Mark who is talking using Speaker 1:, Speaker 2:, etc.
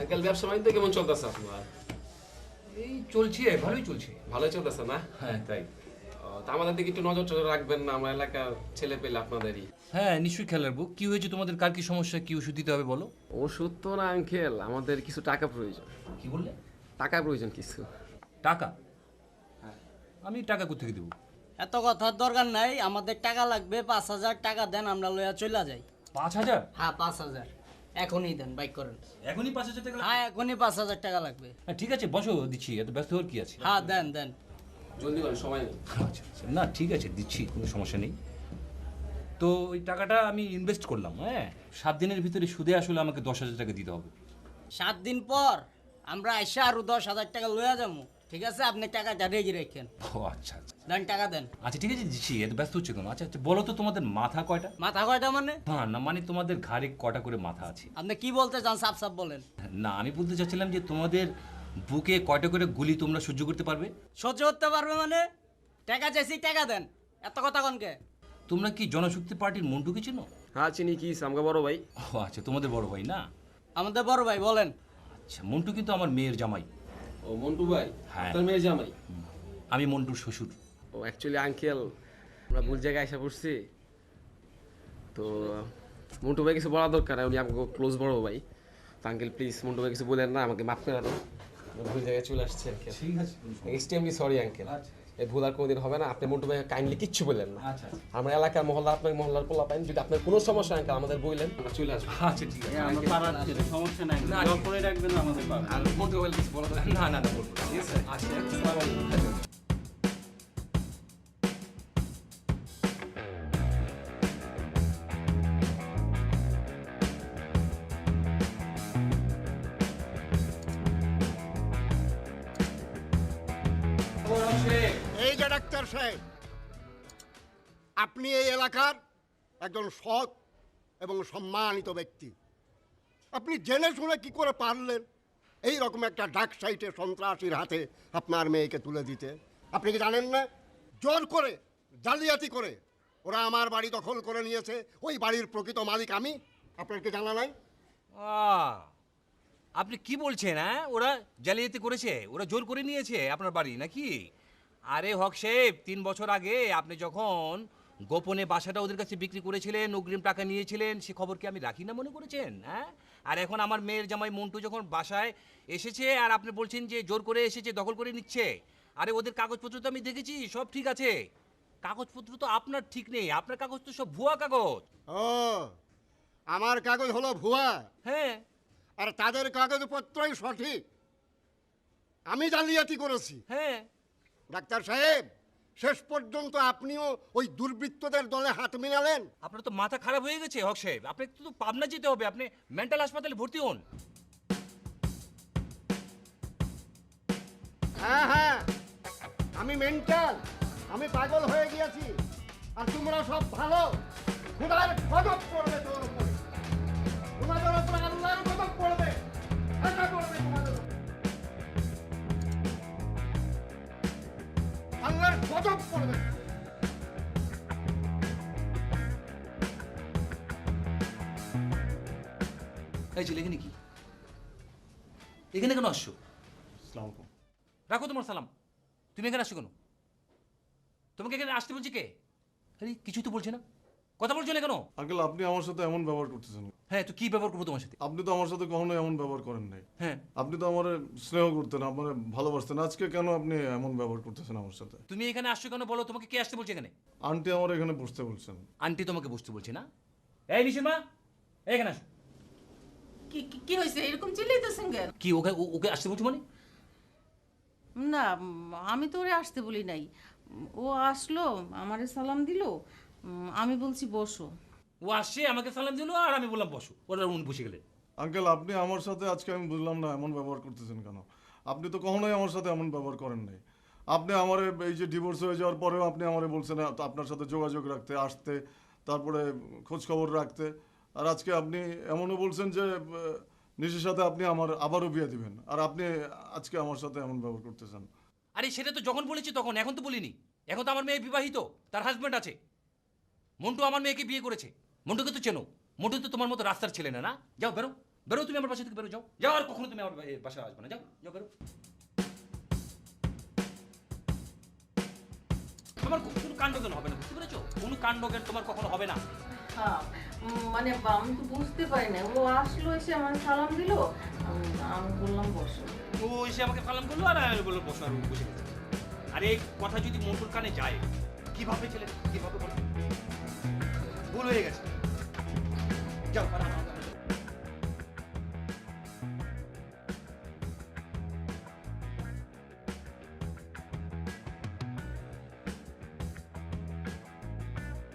Speaker 1: Uncle ব্যবসা বাণিজ্য কেমন চলতেছে আপনার?
Speaker 2: এই চলছে, ভালোই চলছে।
Speaker 1: ভালোই চলতেছে না?
Speaker 2: হ্যাঁ তাই।
Speaker 1: তা আমাদের দিকে একটু নজর টজর রাখবেন না, আমরা এলাকার ছেলে পেলে আপনাদেরই।
Speaker 2: হ্যাঁ নিশ্চয়ই খেয়াল রাখবো। কি হয়েছে তোমাদের, কার কি সমস্যা, কি ওষুধ দিতে হবে বলো।
Speaker 1: ওষুধ তো না আঙ্কেল, আমাদের কিছু টাকা প্রয়োজন।
Speaker 2: কি বললে?
Speaker 1: টাকা প্রয়োজন কিছু।
Speaker 2: টাকা? আমি টাকা কোথেকে দেবো?
Speaker 3: এত কথার দরকার নাই, আমাদের টাকা লাগবে 5,000 টাকা দেন, আমরা লইয়া চলে যাই।
Speaker 2: 5,000?
Speaker 3: হ্যাঁ 5,000 এখনই দেন, বাইক করেন।
Speaker 2: এখনই 5,000 টাকা?
Speaker 3: হ্যাঁ এখনই 5,000 টাকা লাগবে।
Speaker 2: হ্যাঁ ঠিক আছে, বসো, দিচ্ছি। এত ব্যস্ত হওয়ার কি আছে?
Speaker 3: হ্যাঁ দেন দেন।
Speaker 1: জলদি করেন, সময় নেই।
Speaker 2: আচ্ছা আচ্ছা, না ঠিক আছে, দিচ্ছি, কোনো সমস্যা নেই। তো ওই টাকাটা আমি ইনভেস্ট করলাম, হ্যাঁ 7 দিনের ভিতরে সুদে আসলে আমাকে 10,000 টাকা দিতে হবে।
Speaker 3: 7 দিন পর আমরা এসে আরো 10,000 টাকা লইয়া যাবো, ঠিক আছে? আপনি টাকাটা রেখে রাখেন।
Speaker 2: ও আচ্ছা আচ্ছা
Speaker 3: দেন টাকা দেন।
Speaker 2: আচ্ছা ঠিক আছে, দিচ্ছি। এত ব্যস্ত হচ্ছে কেন? আচ্ছা আচ্ছা বলো তো, তোমাদের মাথা কয়টা?
Speaker 3: মাথা কয়টা মানে?
Speaker 2: হ্যাঁ না মানে তোমাদের ঘাড়ে কটা করে মাথা আছে?
Speaker 3: আপনি কি বলতে চান সাফ সাফ বলেন।
Speaker 2: না আমি বলতে চাচ্ছিলাম যে তোমাদের বুকে কয়টা করে গুলি তোমরা সহ্য করতে পারবে?
Speaker 3: সহ্য করতে পারবে মানে? টাকা চাইছি, টাকা দেন। এত কথা কনকে?
Speaker 2: তোমরা কি জনশক্তি পার্টির মন্টুকে চেনো?
Speaker 1: হ্যাঁ চিনি, কি আমাকে বড় ভাই।
Speaker 2: ও আচ্ছা, তোমাদের বড় ভাই না?
Speaker 3: আমাদের বড় ভাই, বলেন।
Speaker 2: আচ্ছা, মন্টু কিন্তু আমার মেয়ের জামাই।
Speaker 1: ও মন্টু ভাই?
Speaker 2: হ্যাঁ।
Speaker 1: আপনার মেয়ের জামাই?
Speaker 2: আমি মন্টুর শ্বশুর।
Speaker 1: ও অ্যাকচুয়ালি আঙ্কেল, আমরা ভুল জায়গায় এসে পড়ছি। তো মন্টু ভাই কিছু বলা দরকার, উনি আমাকে ক্লোজ বড় ভাই। তো আঙ্কেল প্লিজ মন্টু ভাই কিছু বলেন না, আমাকে মাফ করে দেন। আমি ভুল জায়গায় চলে আসছি আঙ্কেল।
Speaker 2: ঠিক আছে।
Speaker 1: Extremely sorry uncle. এই ভুল আর কোনোদিন হবে না। আপনি মন্টু ভাই কাইন্ডলি কিচ্ছু বললেন না।
Speaker 2: আচ্ছা
Speaker 1: আমরা এলাকার মহল্লা, আপনার মহল্লার পোলা পাইন, যদি আপনার কোনো সমস্যা আঙ্কেল আমাদের বললেন, আমরা চলে আসবো।
Speaker 2: আচ্ছা ঠিক আছে।
Speaker 3: আমরা পাড়ার ছেলে, সমস্যা নাই।
Speaker 1: না,
Speaker 3: জোর করে রাখবেন না আমাদের পাড়া।
Speaker 1: আর মন্টু ভাই কিছু বলা দরকার
Speaker 2: না না না বলবো না।
Speaker 1: ঠিক আছে?
Speaker 2: আচ্ছা
Speaker 1: আসসালামু আলাইকুম।
Speaker 4: এই যে ডাক্তার সাহেব, আপনি এই এলাকার একজন সৎ এবং সম্মানিত ব্যক্তি। আপনি জেনে শুনে কি করে পারলেন এই রকম একটা ডাক সাইটে সন্ত্রাসীর হাতে আপনার মেয়েকে তুলে দিতে? আপনি কি জানেন না, জোর করে জালিয়াতি করে ওরা আমার বাড়ি দখল করে নিয়েছে। ওই বাড়ির প্রকৃত মালিক আমি। আপনার কি জানা নাই?
Speaker 2: আপনি কি বলছেন? হ্যাঁ ওরা জালিয়াতি করেছে, ওরা জোর করে নিয়েছে আপনার বাড়ি নাকি? আরে হক সাহেব, 3 বছর আগে আপনি যখন গোপনে বাসাটা ওদের কাছে বিক্রি করেছিলেন, অগ্রিম টাকা নিয়েছিলেন, সে খবর কি আমি রাখি না মনে করেছেন? হ্যাঁ, আর এখন আমার মেয়ের জামাই মন্টু যখন বাসায় এসেছে আর আপনি বলছেন যে জোর করে এসেছে, দখল করে নিচ্ছে। আরে ওদের কাগজপত্র তো আমি দেখেছি, সব ঠিক আছে। কাগজপত্র তো আপনার ঠিক নেই, আপনার কাগজ তো সব ভুয়া কাগজ।
Speaker 4: ও, আমার কাগজ হলো ভুয়া
Speaker 2: হ্যাঁ
Speaker 4: আর তাদের কাগজপত্রই সঠিক। আমি জালিয়াতি করেছি।
Speaker 2: হ্যাঁ।
Speaker 4: ডাক্তার সাহেব, শেষ পর্যন্ত আপনিও ওই দুর্বৃত্তদের দলে হাত মিলালেন।
Speaker 2: আপনার তো মাথা খারাপ হয়ে গেছে হক সাহেব, আপনাকে তো পাবনা যেতে হবে, আপনি মেন্টাল হাসপাতালে ভর্তি হন।
Speaker 4: হ্যাঁ হ্যাঁ, আমি মেন্টাল, আমি পাগল হয়ে গিয়েছি। আর তোমরা সব ভালো। খোদার গজব পড়বে তোর উপরে, তোমাদের উপরে আল্লাহর গজব পড়বে। আশা করবে তোমাদের উপরে। আল্লাহর গজব পড়বে।
Speaker 2: এই ছেলে এখানে কি? এখানে কেন আসছো? রাখো তোমার সালাম। তুমি এখানে আসছো কেন? তোমাকে এখানে আসতে বলছি কে? আরে কিছুই তো বলছে না, কথা বলছো না কেন?
Speaker 5: আঙ্কেল, আপনি আমার সাথে এমন ব্যবহার করতেছেন।
Speaker 2: হ্যাঁ তো কি ব্যবহার করবো তোমার সাথে?
Speaker 5: আপনি তো আমার সাথে কখনো এমন ব্যবহার করেন নাই।
Speaker 2: হ্যাঁ
Speaker 5: আপনি তো আমার স্নেহ করতেন, আমার ভালোবাসতেন। আজকে কেন আপনি এমন ব্যবহার করতেছেন আমার সাথে?
Speaker 2: তুমি এখানে আসছো কেন বলো, তোমাকে কে আসতে বলছে এখানে?
Speaker 5: আন্টি আমার এখানে বসতে বলছেন।
Speaker 2: আন্টি তোমাকে বসতে বলছে না? এই নিশিমা, এখানে আসো।
Speaker 6: কি কি হয়েছে? এরকম চিল্লাইতেছেন কেন?
Speaker 2: কি ওকে ওকে আসতে বলছো মানে?
Speaker 6: না, আমি তো ওরে আসতে বলি নাই। ও আসলো, আমারে সালাম দিল, আমি বলছি বসো।
Speaker 2: ও আসছে, আমাকে সালাম দিলো আর আমি বললাম বসো, ওরা উনি বসে গেলেন।
Speaker 5: আঙ্কেল, আপনি আমার সাথে আজকে আমি বুঝলাম না এমন ব্যবহার করতেছেন কেন। আপনি তো কখনোই আমার সাথে এমন ব্যবহার করেন নাই। আপনি আমার এই যে ডিভোর্স হয়ে যাওয়ার পরেও আপনি আমারে বলছেন আপনার সাথে যোগাযোগ রাখতে, আসতে, তারপরে খোঁজ খবর রাখতে। আর আজকে আপনি এমনও বলছেন যে নিশির সাথে আপনি আমার আবারও বিয়ে দিবেন, আর আপনি আজকে আমার সাথে এমন ব্যবহার করতেছেন।
Speaker 2: আরে সেটা তো যখন বলেছি তখন, এখন তো বলিনি। এখন তো আমার মেয়ে বিবাহিত, তার হাজব্যান্ড আছে। মন্টু আমার মেয়েকে বিয়ে করেছে। মন্টুকে তো চেনো, মন্টু তো তোমার মতো রাস্তার ছেলে না, না? যাও বেরো, বেরো তুমি আমার বাসা থেকে বেরো, যাও যাও, আর কখনো তুমি আমার বাসায় আসবে না, যাও যাও বেরো। তোমার কোনো কাণ্ডজ্ঞান হবে না, বুঝতে পেরেছো? কোনো কাণ্ডজ্ঞান তোমার কখনো হবে না।
Speaker 6: হ্যাঁ মানে আমি তো বুঝতে পারি না, ও আসলো এসে আমার সালাম দিল, আমি বললাম বসো।
Speaker 2: ও এসে আমাকে সালাম করলো আর আমি বললো বসো, আর ও বসে গেছে। আর এই কথা যদি মন্টুর কানে যায়, কিভাবে ছেলে কিভাবে বলো? ভুল হয়ে গেছে, যাও।